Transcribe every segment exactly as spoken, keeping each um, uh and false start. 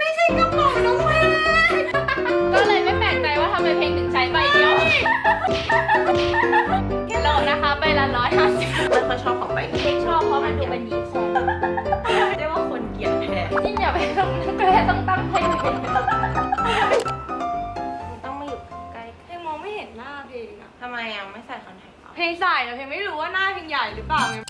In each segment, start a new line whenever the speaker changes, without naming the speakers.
ไม่ใช่กระเป๋าน้องเพลงก็เลยไม่แปลกใจว่าทำไมเพลงถึงใช้ใบเดียวโหลนะคะใบละร้อยห้าสิบไม่ค่อยชอบของใบนี้ชอบเพราะมันดูเป็นยีคงเรียกว่าคนเกลียดแพ้ยิ่งอย่าไปต้องแพ้ต้องตั้งเพลงต้องมาอยู่ใกล้เพลงมองไม่เห็นหน้าเพลงอะทำไมอ่ะไม่ใส่คอนแทคเพลงใส่แต่เพลงไม่รู้ว่าหน้าเพลงใหญ่หรือเปล่าไง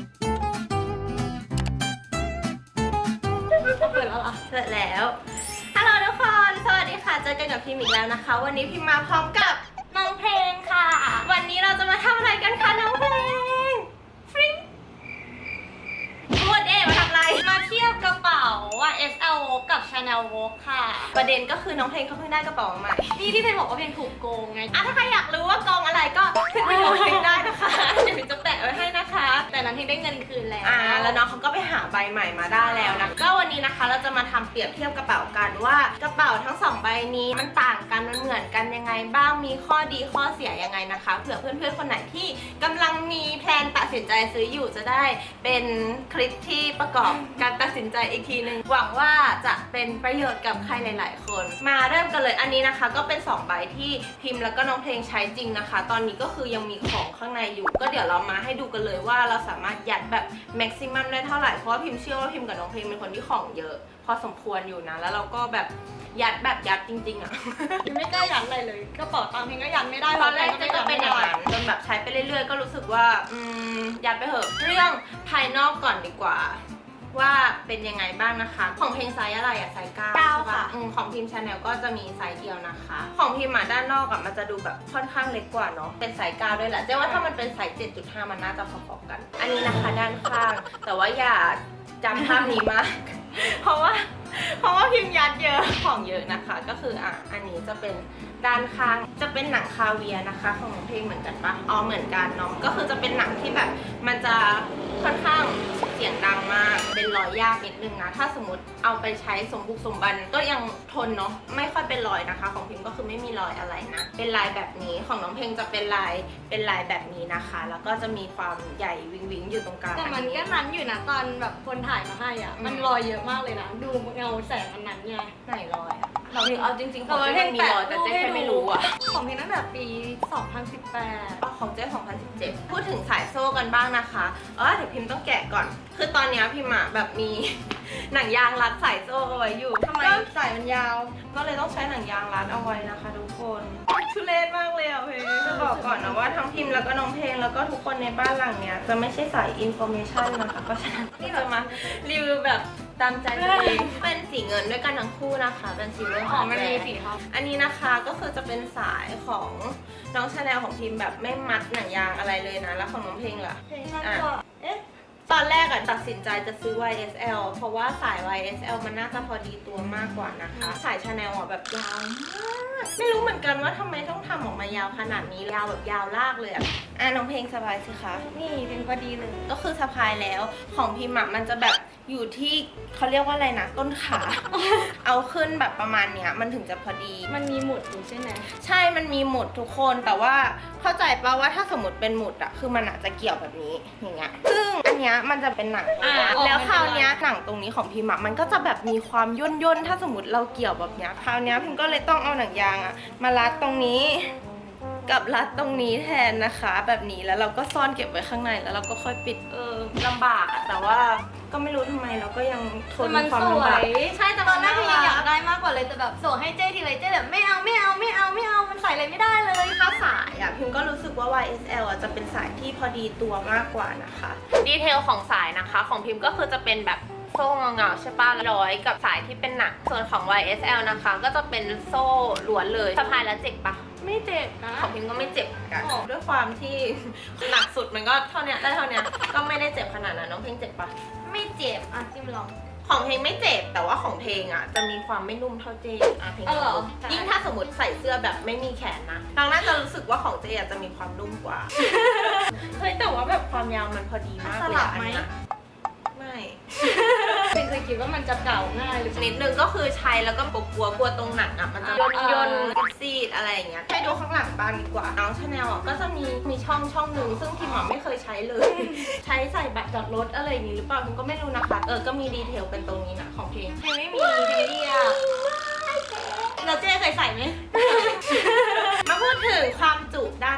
เปิดแล้วล่ะเสร็จแล้วฮัลโหลทุกคนสวัสดีค่ะเจอกันกับพิมอีกแล้วนะคะวันนี้พิมมาพร้อมกับน้องเพลงค่ะวันนี้เราจะมาทำอะไรกันคะน้องเพลงฟริ้งพูดเองมาทำอะไรมาเทียบกระเป๋าว่า เอส แอล Vogue กับ Chanel Vogue ค่ะประเด็นก็คือน้องเพลงเขาเพิ่งได้กระเป๋าใหม่นี่ที่เพลงบอกว่าเพลงถูกโกงไงอ่ะถ้าใครอยากรู้ว่าโกงอะไรก็ขึ้นไปดูเพลงได้นะคะเดี๋ยวพิมจะแปะไว้ให้นะคะแต่นั้นเพลงได้เงินคืนแล้วอ่าแล้วน้องเขาก็ไปหาใบใหม่มาได้แล้วนะก็วันนี้นะคะเราจะมาทำเปรียบเทียบกระเป๋ากันว่ากระเป๋าทั้งสองใบนี้มันต่างกันมันเหมือนกันยังไงบ้างมีข้อดีข้อเสียยังไงนะคะเผื่อเพื่อนๆคนไหนที่กำลังมีแพลนตัดสินใจซื้ออยู่จะได้เป็นคลิปที่ประกอบการตัดสินใจอีกทีนึงหวังว่าจะเป็นประโยชน์กับใครหลายๆคนมาเริ่มกันเลยอันนี้นะคะก็เป็นสองใบที่พิมพ์แล้วก็น้องเพลงใช้จริงนะคะตอนนี้ก็คือยังมีของข้างในอยู่ก็เดี๋ยวเรามาให้ดูกันเลยว่าเราสามารถยัดแบบแม็กซิมัมได้เท่าไหร่เพราะว่าพิมเชื่อว่าพิมกับน้องเพลงเป็นคนที่ของเยอะพอสมควรอยู่นะแล้วเราก็แบบยัดแบบยัดจริงๆอ่ะพิมไม่กล้ายัดอะไรเลยกระเป๋าตังค์พิมก็ยัดไม่ได้ตอนแรกก็เป็นอย่างนั้นจนแบบใช้ไปเรื่อยๆก็รู้สึกว่าอืมยัดไปเถอะเรื่องภายนอกก่อนดีกว่าว่าเป็นยังไงบ้างนะคะของเพลงไซส์อะไรอะไซส์เก้าใช่ปะของพิมชาแนลก็จะมีไซส์เดียวนะคะของพิมอะด้านนอกอะมันจะดูแบบค่อนข้างเล็กกว่าเนาะเป็นไซส์เก้าด้วยแหละเจ๊ว่าถ้ามันเป็นไซส์ เจ็ดจุดห้า มันน่าจะพอๆกันอันนี้นะคะด้านข้างแต่ว่าอย่าจำภาพนี้มากเพราะว่าเพราะว่าพิมยัดเยอะของเยอะนะคะก็คืออ่ะอันนี้จะเป็นด้านข้างจะเป็นหนังคาเวียนะคะของเพลงเหมือนกันปะอ๋อเหมือนกันเนาะก็คือจะเป็นหนังที่แบบมันจะค่อนข้างเสียงดังมากเป็นรอยยากนิดนึงนะถ้าสมมติเอาไปใช้สมบุกสมบันก็ยังทนเนาะไม่ค่อยเป็นรอยนะคะของพิมก็คือไม่มีรอยอะไรนะเป็นลายแบบนี้ของน้องเพลงจะเป็นลายเป็นลายแบบนี้นะคะแล้วก็จะมีความใหญ่วิงวิงอยู่ตรงกลางแต่มันก็นั้นอยู่นะตอนแบบคนถ่ายมาให้อ่ะมันรอยเยอะมากเลยนะดูเงาแสงมันนั้นไงไหนรอยอ่ะเราเอาจริงๆของเจ๊มีรอยแต่เจ๊แค่ไม่รู้อ่ะของเพลงตั้งแต่ปีสองพันสิบแปดอ๋อของเจ๊สองพันสิบเจ็ดพูดถึงสายโซ่กันบ้างนะคะเออเดี๋ยวพิมต้องแกะก่อนคือตอนนี้พิมอะแบบมีหนังยางรัดสายโซ่เอาไว้อยู่ทำไมสายมันยาวก็เลยต้องใช้หนังยางรัดเอาไว้นะคะทุกคนทุเรศมากเลยอ่ะเพลงจะบอกก่อนนะว่าทั้งพิมแล้วก็น้องเพลงแล้วก็ทุกคนในบ้านหลังเนี้ยจะไม่ใช่สายอินโฟเมชันนะคะเพราะฉะนั้นนี่จะมารีวิวแบบตามใจตัวเองเป็นสีเงินด้วยกันทั้งคู่นะคะเป็นสีเงินของมันมีสีครับอันนี้นะคะก็คือจะเป็นสายของน้องชาแนลของพิมแบบไม่มัดหนังยางอะไรเลยนะแล้วของน้องเพลงล่ะเพลงอ่ะเอ๊ะตอนแรกอะตัดสินใจจะซื้อ วาย เอส แอล เพราะว่าสาย วาย เอส แอล มันน่าจะพอดีตัวมากกว่านะคะสายชาแนลอะแบบยาวมากไม่รู้เหมือนกันว่าทำไมต้องทำออกมายาวขนาดนี้ยาวแบบยาวลากเลยอะอ่ะน้องเพลงสบายสิคะนี่เป็นพอดีเลยก็คือสะพายแล้วของพิมอะมันจะแบบอยู่ที่เขาเรียกว่าอะไรนะต้นขา เอาขึ้นแบบประมาณเนี้ยมันถึงจะพอดีมันมีหมุดอยู่ใช่ไหมใช่มันมีหมุดทุกคนแต่ว่าเข้าใจป่ะว่าถ้าสมมติเป็นหมุดอะคือมันอาจจะเกี่ยวแบบนี้อย่างเงี้ยซึ่งอันเนี้ยมันจะเป็นหนังแล้วคราวเนี้ยหนังตรงนี้ของพิมอะมันก็จะแบบมีความย่นย่นถ้าสมมติเราเกี่ยวแบบเนี้ยคราวเนี้ยพิมก็เลยต้องเอาหนังยางอะมารัดตรงนี้กับรัดตรงนี้แทนนะคะแบบนี้แล้วเราก็ซ่อนเก็บไว้ข้างในแล้วเราก็ค่อยปิดเออลำบากแต่ว่าก็ไม่รู้ทำไมเราก็ยังทนความลำบากใช่แต่ตอนแรกพี่อยากได้มากกว่าเลยแต่แบบส่งให้เจ๊ทีไรเจ๊แบบไม่เอาไม่เอาไม่เอาไม่เอามันใส่อะไรไม่ได้เลยถ้าสายอ่ะพิมก็รู้สึกว่า วาย เอส แอล อ่ะจะเป็นสายที่พอดีตัวมากกว่านะคะดีเทลของสายนะคะของพิมก็คือจะเป็นแบบโซ่เงาๆใช่ป่ะร้อยกับสายที่เป็นหนักส่วนของ วาย เอส แอล นะคะก็จะเป็นโซ่ล้วนเลยสะพายแล้วเจ็บปะไม่เจ็บนะของพิมก็ไม่เจ็บกันด้วยความที่หนักสุดมันก็เท่านี้ได้เท่านี้ก็ไม่ได้เจ็บขนาดนั้นน้องเพลงเจ็บปะไม่เจ็บอ่ะจิ้มลองของเพลงไม่เจ็บแต่ว่าของเพลงอ่ะจะมีความไม่นุ่มเท่าเจอ่ะเพลงยิ่งถ้าสมมติใส่เสื้อแบบไม่มีแขนนะน้องน่าจะรู้สึกว่าของเจอ่ะจะมีความนุ่มกว่าเฮ้ยแต่ว่าแบบความยาวมันพอดีมากเลยอันนี้ไม่เป็นเคยคิดว่ามันจะเก่าง่ายหรือนิดนึงก็คือใช้แล้วก็กลัวกลัวตรงหนังอ่ะมันจะย่นย่นซีดอะไรอย่างเงี้ยให้ดูข้างหลังบ้างดีกว่าน้องชาแนลอ่ะก็จะมีมีช่องช่องหนึ่งซึ่งพิมอ่ะไม่เคยใช้เลยใช้ใส่บัตรจอดรถอะไรอย่างงี้หรือเปล่าพิมก็ไม่รู้นะคะเออก็มีดีเทลเป็นตรงนี้นะของเพลงเพลงไม่มีเพลงเรียก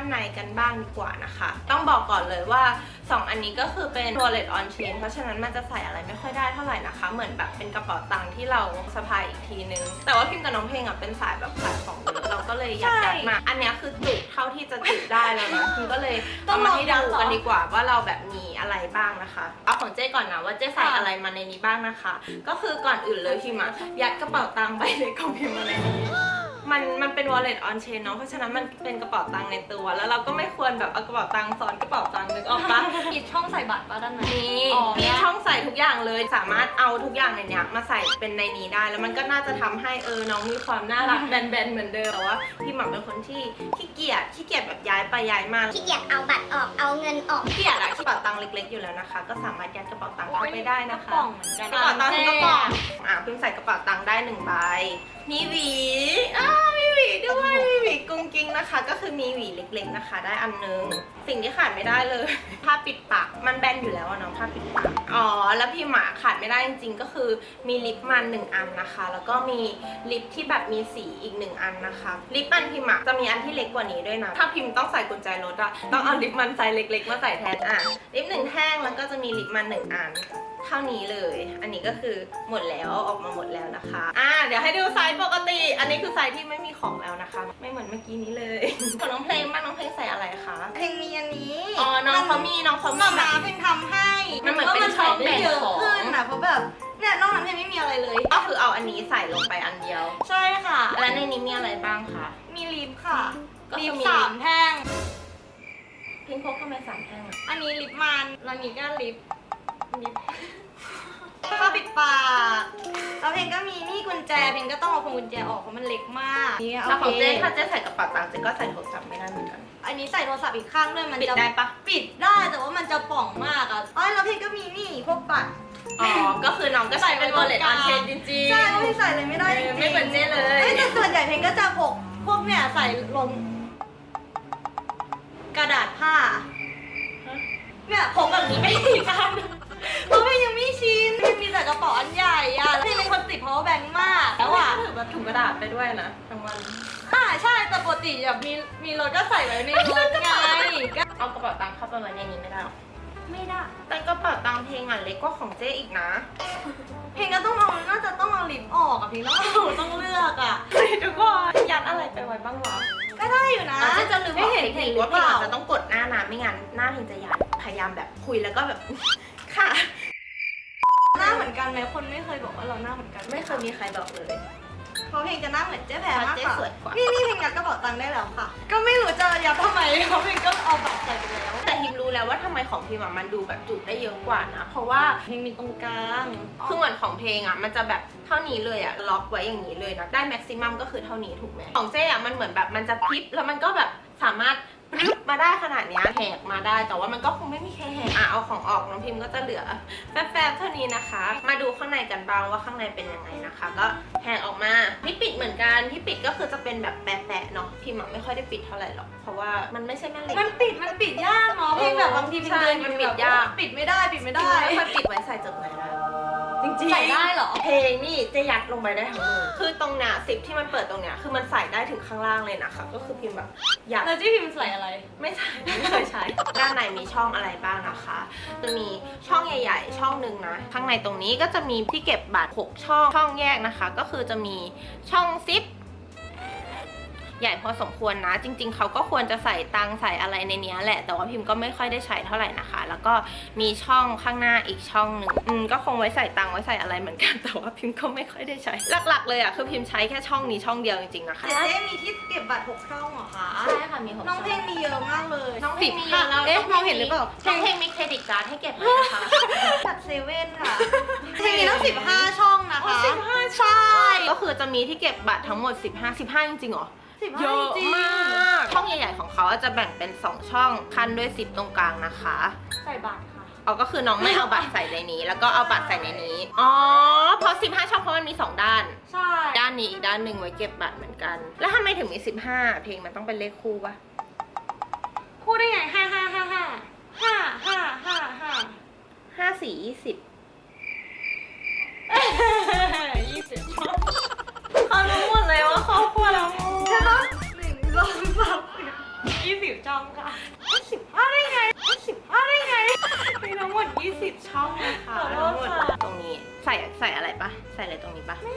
านในกันบ้างดีกว่านะคะต้องบอกก่อนเลยว่าสองอันนี้ก็คือเป็น wallet on chain เพราะฉะนั้นมันจะใส่อะไรไม่ค่อยได้เท่าไหร่นะคะเหมือนแบบเป็นกระเป๋าตังค์ที่เราสะพายอีกทีนึงแต่ว่าพิมพ์กับน้องเพลงอ่ะเป็นสายแบบขายของเยอะเราก็เลยอยากยัดมาอันนี้คือจุเท่าที่จะจุได้แล้วนะพิมก็เลยต้องมาให้ดูกันดีกว่าว่าเราแบบมีอะไรบ้างนะคะเอาของเจ้ก่อนนะว่าเจ้ใส่อะไรมาในนี้บ้างนะคะก็คือก่อนอื่นเลยพิมอะยัดกระเป๋าตังค์ใบเล็กของพิมมาในนี้มันมันเป็น wallet on chain เนาะเพราะฉะนั้นมันเป็นกระเป๋าตังค์ในตัวแล้วเราก็ไม่ควรแบบเอากระเป๋าตังค์ซ้อนกระเป๋าตังค์นึกออกปะ
มีช่องใส่บัตรป่ะด้านใน
มีมีช่องใส่ทุกอย่างเลยสามารถเอาทุกอย่างในเนี้ยมาใส่เป็นในนี้ได้แล้วมันก็น่าจะทำให้เออน้องมีความน่ารักแบนๆเหมือนเดิมแต่ว่าพี่หม่ำเป็นคนที่ขี้เกียจขี้เกียจแบบย้ายไปย้ายมา
ขี้เกียจเอาบัตรออกเอาเงินออก
ขี้เกียจอะกระเป๋าตังค์เล็กๆอยู่แล้วนะคะก็สามารถยัดกระเป๋าตังค์เข้าไปได้นะคะ
กล่องเหมือนกัน
กระเป๋าตังค์ก็กล่องอ่ะพิมใส่กระเป๋าตังค์ได้หนึ่งใบมีหวีอ้าวมีหวีด้วยมีหวีกุ้งกิ้งนะคะ ก็คือมีหวีเล็กๆนะคะ ได้อันนึงสิ่งที่ขาดไม่ได้เลยผ้าปิดปากมันแบนอยู่แล้วอะเนาะผ้าปิดปากอ๋อแล้วพี่หมาขาดไม่ได้จริงๆก็คือมีลิปมันหนึ่งอันนะคะ แล้วก็มีลิปที่แบบมีสีอีกหนึ่งอันนะคะลิปมันพิมอะจะมีอันที่เล็กกว่านี้ด้วยนะถ้าพิมต้องใส่กุญแจรถอะต้องเอาลิปมันไซส์เล็กๆมาใส่แทนอ่ะลิปหนึ่งแท่งแล้วก็จะมีลิปมันหนึ่งอันเท่านี้เลย อันนี้ก็คือหมดแล้วออกมาหมดแล้วนะคะ อ่าเดี๋ยวให้ดูไซส์ปกติ อันนี้คือไซส์ที่ไม่มีของแล้วนะคะ ไม่เหมือนเมื่อกี้นี้เลยของน้องเพลงบ้างน้องเพลงใส่อะไรคะ
เพลงมีอันนี้
อ๋อ น้องเขามีน้องเขามี
มา
แบ
มา
บ
เพลงทำให้
มันเหมือนเป็นช่องแบ่ง
เยอะ
ของ
ขึ้นนะเพราะแบบเนี่ยนอกนั้นเพลงไม่มีอะไรเลย
ก็คือเอาอันนี้ใส่ลงไปอันเดียว
ใช่ค่ะ
แล้วในนี้มีอะไรบ้างคะ
มีลิปค่ะ
ก็คือ
ลิป
มี
สามแท่ง
เพลงพกทำไมสามแท่งอะ
อันนี้ลิปมันแล้วนี้ก็ลิปลิปผ้าปิดปากแล้วเพลงก็มีนี่กุญแจเพลงก็ต้องเอาพวงกุญแจออกเพราะมันเล็กมากนี่
แล้วของ
โอ
เจ๊
เค
ถ้าเจ๊ใส่กระเป๋าตังค์เจ๊ก็ใส่โทรศัพท์ไม่ได้เหมือนกัน
อันนี้ใส่โทรศัพท์อีกข้างด้วยมัน
ปิด
จะ
ได้ปะ
ปิดได้แต่ว่ามันจะป่องมากอ่ะอ๋อแล้วเพลงก็มีนี่พวกบัตร
อ๋อ ก็คือน้องก็ใส่เป็น wallet on chain จริงๆ
ใช่เพราะเพลงใส่เลยไม่ได้จริงๆ
ไม่เหมือนเจ๊เลย
อ้แต่ส่วนใหญ่เพลงก็จะพกพวกเนี่ยใส่ลงกระดาษผ้าเนี่ยพกแบบนี้ไม่ดีกันเพราะเพลงยังไม่ชินเพลงมีแต่กระเป๋าอันใหญ่อะเพลงเป็นคนติด power bank มากแล้วอะ
ถือแบบถุงกระดาษไปด้วยนะทั้งวัน
อ่าใช่แต่ปกติแบบมีมีรถก็ใส่ไว้ในรถไงก็
เอากระเป๋าตังค์เข้าไปไว้ในนี้ไม่ได้หรอ
ไม่ได้
แต่กระเป๋าตังค์เพลงอ่ะเล็กกว่าของเจ๊อีกนะ
เพลงก็ต้องเอาน่าจะต้องเอาลิปออกอะเพลงต้องเอาต้องเลือกอะ
ทุกคนยัดอะไรไปไว้บ้างวะ
ก็ได้อยู่นะ
อาจจะจะลืม
ไม่
บอก
เห็น
เทค
เห็
นิ
น
ค
หรือ
ว่า
เป
พี่
ล่า
อาจจะต้องกดหน้านะไม่งั้นหน้าเพลงจะยัดพยายามแบบคุยแล้วก็แบบ ค่ะ
หน้าเหมือนกันไหมคนไม่เคยบอกว่าเราหน้าเหมือนกัน
ไม่เคยมีใครบอกเลย
เพราะเพลงจะหน้าเหมือนเจ๊แพรมาก
เจ๊
กว่า
สวยกว่า
นี่นี่เพลงยัดกระเป๋าตังค์ได้แล้วค่ะ ก็ไม่รู้จะยัดทำไมเพราะเพลงก็เอาบัตรใส่ไปแล้ว
แต่พิมรู้แล้วว่าทำไมของพิมอะมันดูแบบจุได้เยอะกว่านะ เพราะว่า
เพลงมีตรงกลาง
คือเหมือนของเพลงอ่ะมันจะแบบเท่านี้เลยอ่ะล็อกไว้อย่างนี้เลยนะได้แม็กซิมัมก็คือเท่านี้ถูกไหมของเจ๊อ่ะมันเหมือนแบบมันจะพลิบแล้วมันก็แบบสามารถปรึ๊บมาได้ขนาดเนี้ยแหกมาได้แต่ว่ามันก็คงไม่มีใครแหกอ่ะเอาของออกน้องพิมก็จะเหลือแฟบๆเท่านี้นะคะ มาดูข้างในกันบ้างว่าข้างในเป็นยังไงนะคะ ก็แหกออกมาที่ปิดเหมือนกันที่ปิดก็คือจะเป็นแบบแปะๆเนาะพิมอะไม่ค่อยได้ปิดเท่าไหร่หรอกเพราะว่ามันไม่ใช่แม่เหล็ก
มันปิดมันปิดยากเนาะเพลงแบบบางทีเพลงเดิน
ใช่
อ
มัน
ยู่
ปิ
แบ
ด
บ
ยาก
ปิดไม่ได้ปิดไม่ได้
ไม่ค่อยปิดไว้ใส่จดหมายได้จริงๆ
ใส่ได้เหรอ
เพลงนี่จะยัดลงไปได้ทั้งมือคือตรงเนี้ยสิบที่มันเปิดตรงเนี้ยคือมันใส่ได้ถึงข้างล่างเลยนะคะก็คือพิมพ์แบบอยาก
แล้วที่พิมพ์ใส่อะไร
ไม่ใช่ไม่เคยใช้ ด้านในมีช่องอะไรบ้างนะคะจะมีช่องใหญ่ๆช่องหนึ่งนะข้างในตรงนี้ก็จะมีที่เก็บบัตรหกช่องช่องแยกนะคะ ก็คือจะมีช่องซิปใหญ่พอสมควรนะ จริงๆเขาก็ควรจะใส่ตังใส่อะไรในนี้แหละแต่ว่าพิมพ์ก็ไม่ค่อยได้ใช้เท่าไหร่นะคะ แล้วก็มีช่องข้างหน้าอีกช่องหนึ่งอืมก็คงไว้ใส่ตังไว้ใส่อะไรเหมือนกันแต่ว่าพิมพ์ก็ไม่ค่อยได้ใช้หลักๆเลยอ่ะคือพิมพ์ใช้แค่ช่องนี้ช่องเดียวจริงๆนะคะ
เจ๊เจ๊มีที่เก็บบัตรหกช่องเหรอคะ
ใช่ค่ะมีหก
น้องเพลงมีเยอะมากเลย
น้องเพลงมีเยอะแล้ว
เอ๊ะมองเห็นหรือเปล่า
น้องเพลงมีเครดิตการ์ดให้เก็บไหมนะคะ
บัตรเซเว่นค่ะเพลงมีตั้งสิบห้าช่องนะคะ
สิบห้าใช่ ก็คือจะมีที่เก็บบัตรทั้งหมดสิบห้า สิบห้าจริงๆเหรอ
สิบ
เย
ห้า
อะ
จริง
มากช่องใหญ่ๆของเขาจะแบ่งเป็นสองช่องคันด้วยสิบตรงกลางนะคะ
ใส่บัตรค่ะ
เอาก็คือน้องไม่เอาบัตรใส่ในนี้ แล้วก็เอาบัตรใส่ในนี้อ๋อเพราะสิบห้าช่องเพราะมันมีสองด้าน
ใช่
ด้านนี้อีกด้านหนึ่งไว้เก็บบัตรเหมือนกัน แล้วทำไมถึงมีสิบห้าเพลงมันต้องเป็นเลขคู่ปะ
พูดได้ไงห้าห้าห้าห้าห้าห้าห้าห้า
ห้าสี่ยี่สิบ
ยี่สิบช่อง
เขารู้หมดเลยว่าครอบครัวเรา
ใช่ปะหนึ่งสองสามสี่ยี่สิบช่อง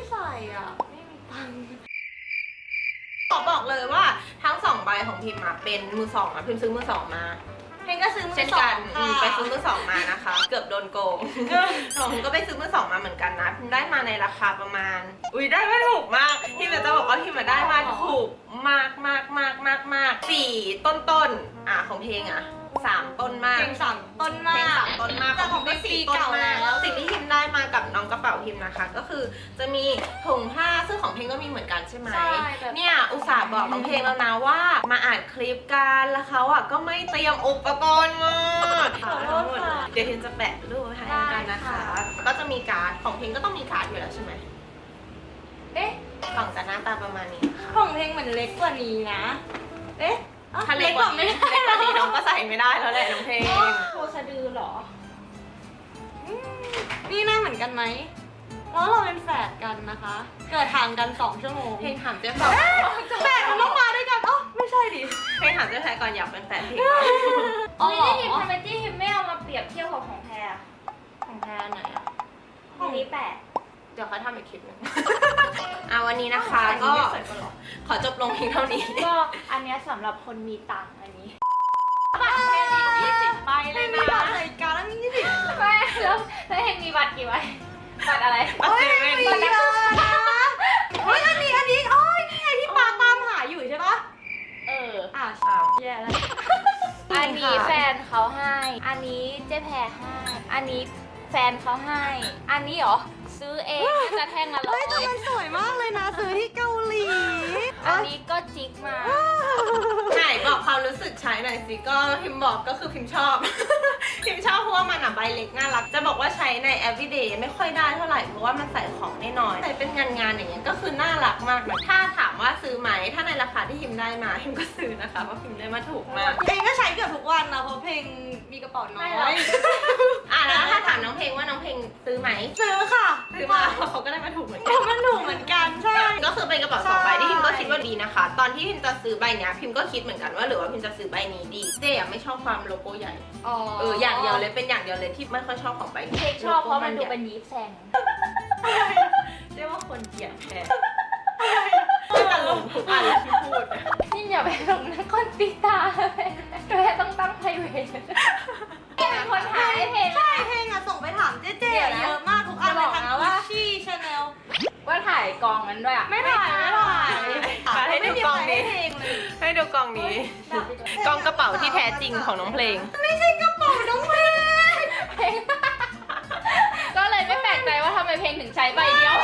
ใส่อ่ะไม่มีตังค์
ขอบอกเลยว่าทั้งสองใบของพิมพ์มาเป็นมือสองอะพิมพ์ซื้อมือสองมา
เพลงก็ซื้อมือ
เช่น
สอ
กั
ง
น
ค่ะ
ไปซื้อมือสองมานะคะ เกือบโดนโกงของพิมก็ไปซื้อมือสองมาเหมือนกันนะพิมได้มาในราคาประมาณอุ้ยได้ไม่ถูกมากพิมจะบอกว่าพิมได้มาถูกมากมากมากมากมากสี่ต้นต้นๆอ่ะของเพลงอ่ะสามต้นมาก
เพลงสามต้น
เพ
มา
ลง
ก
สามต้นมาก
แต่ของ
ก็
เพลง
สี่
ปี
ต้น
เก่าม
าก
แล้ว
สิ่งที่พิมได้มากับน้องกระเป๋าพิมนะคะ ก็คือจะมีถุงผ้าซึ่งของเพลงก็มีเหมือนกันใช่ไหม
ใช่แบบ
เนี่ยอุตส่าห์บอกน้องเพลงแล้วนะว่ามาอ่านคลิปกันแล้วเขาอ่ะก็ไม่เตรียมอุปกรณ์มา
ขอโทษค่ะ
เดี๋ยวพิมจะแปะรูปให้กันนะคะ ก็จะมีการ์ดของเพลงก็ต้องมีการ์ดอยู่แล้วใช่ไหม
เอ๊ะ
กล่องจะหน้าตาประมาณนี้ค่ะ
ของเพลงเหมือนเล็กกว่านี้นะ เอ๊ะ
ถ้าเล็กกว่านี้
ไม่
เล็กกว่านี้น้องก็ใส่ไม่ได้แล้วแหละน้องเพลง
โคสะดือเหรออืมนี่หน้าเหมือนกันไหมแล้วเราเป็นแฝดกันนะคะ เกิดห่างกันสองชั่วโมง
เพลงถามเจ๊บอก
แฝดมันต้องมาด้วยกันอ๋อไม่ใช่ดิ
เพลงถามเจ๊แพรก่อนอยากเป็นแฟนเพลง
อ๋อ
ไม่ได้ทีมทำไมที่ทีมไม่เอามาเปรียบเทียบกับของแพรอะ
ของแพรไหนอะ
ของนี้แปด
เดี๋ยวเขาทำอีกคลิปหนึง อ่ะวันนี้นะคะก็ขอจบลงเพียงเท่านี้
ก็อันเนี้ยสำหรับคนมีตังค์อันนี้
บัตรเครดิตยี่สิบใบเล
ไม่
ย
มี
นะ
บัตรรายการแล้วมียี่สิบ
ไม่แล้วแล้วเฮงมีบัตรกี่ใบบัตรอะไร
บัตรเซเว่น
มีเลยนะเฮ้ยอันนี้อันนี้โอ้ยนี่ไงที่ปาตามหาอยู่ใช่ปะ
เออ
อ่ะ
อ้าว
แย่แล้ว
อันนี้แฟนเขาให้ อันนี้เจ๊แพรให้ อันนี้แฟนเขาให้ อันนี้เหรอซื้อเองน่าจะแท่งละร้อ
เฮ้
ย
ยแต่มันสวยมากเลยนะซื้อที่เกาหลี
อันนี้ก็จิกมา
ไหนบอกความรู้สึกใช้หน่อยสิก็พิมพ์บอกก็คือพิมพ์ชอบ พิมพ์ชอบเพราะว่ามันอ่ะใบเล็กน่ารักจะบอกว่าใช้ใน everyday ไม่ค่อยได้เท่าไหร่เพราะว่ามันใส่ของได้น้อยใส่เป็นงานงานๆอย่างเงี้ยก็คือน่ารักมากเลยถ้าถามว่าซื้อไหมถ้าในราคาที่พิมพ์ได้มาพิมก็ซื้อนะคะเพราะพิมพ์ได้มาถูกมาก
เพลงก็ใช้เกือบทุกวันนะเพราะเพลงมีกระเป๋าน้อ
ไม่หรอก
ย
อ่ะแล้วถ้าถามน้องเพลงว่าน้องเพลงซื้อไหม
ซื้อค่ะ
ซื้อมาเขาก็ได้มาถูกเหมือน
เพ
กัน
ราะมันถูกเหมือนกันใช่
ก็คือเป็นกระเป๋าสองใบ
ใช่
ที่พิมก็คิดว่าดีนะคะ ตอนที่พิมจะซื้อใบเนี้ยพิมก็คิดเหมือนกันว่าหรือว่าพิมจะซื้อใบนี้ดีเจ๊อะไม่ชอบความโลโก้ใหญ่
อ๋อ
เอออย่างเดียวเลยเป็นอย่างเดียวเลยที่ไม่ค่อยชอบของใบนี้
เค้กชอบเพราะมันดูเป็นยีสต์แซง
เรียกว่าคนเกลียดแทนไม่ตลกทุกอันเลยที่พูด
นี่อย่าไปลงนักคนตีตาเลยแพรต้องตั้งไพรเวทเป็นคนหาให้เพลง
ใช่เพลงอะส่งไปถามเจ๊เจ๊
เดี๋ยวนะ
เยอะมากทุกอันเลย
จะบอก
ทั้ง
นะ
กุ
ว่า
ชชี่ชาแนล
ว่าถ่ายกองนั้นด้วยอ่ะ
ไม่ถ่ายไม่ถ่าย
มาให้ดูกล่องนี้
ไม่มีใครให้เพลงเลย
ให้ดูกล่องนี้ กล่องกระเป๋าที่แท้จริงของน้องเพลง
ไม่ใช่กระเป๋าน้องเพลง
เพลงก็เลยไม่แปลกใจว่าทำไมเพลงถึงใช้ใบเดียว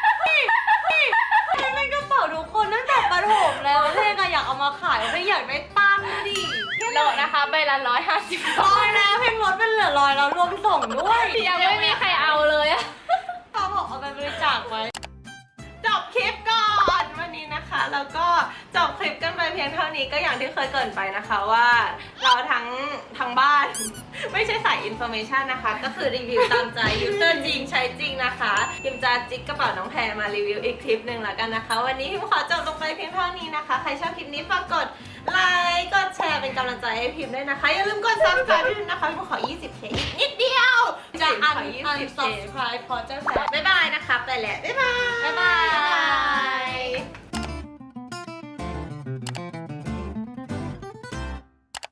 เพลงเป็นกระเป๋าทุกคนตั้งแต่ประถมแล้วเพลงอะอยากเอามาขายเพลงอยากได้ตังค์ดิ
โลนะคะใบละร้อยห้าสิบ
ตอนนะเพลงลดเป็นเหลือร้อยแล้วรวมส่งด้วย
ยังไม่มีใครเอาเลยอะ
เขาบอกเอาไปบริจาคไว้
จบคลิปก่อนวันนี้นะคะ แล้วก็จบคลิปกันไปเพียงเท่านี้ก็อย่างที่เคยเกริ่นไปนะคะว่าเราทั้งทั้งบ้าน ไม่ใช่สายอินโฟเมชันนะคะ ก็คือรีวิวตามใจยูเซอร์จริงใช้จริงนะคะพิมจะจิกกระเป๋าน้องแพรมารีวิวอีกคลิปหนึ่งแล้วกันนะคะ วันนี้พิมขอจบลงไปเพียงเท่านี้นะคะ ใครชอบคลิปนี้ฝากกดไลค์กดแชร์เป็นกำลังใจให้พิมด้วยนะคะอย่าลืมกด ซับสไครบ์ ด้วยนะคะพิมขอ ยี่สิบเค อีกนิดเดียว
จะอัน
ขอ
อัน
ยี่สิบเค
subscribe เพราะเจ้าแฟน
บ๊ายบายนะคะไปแล้วบ๊ายบาย
บ๊ายบาย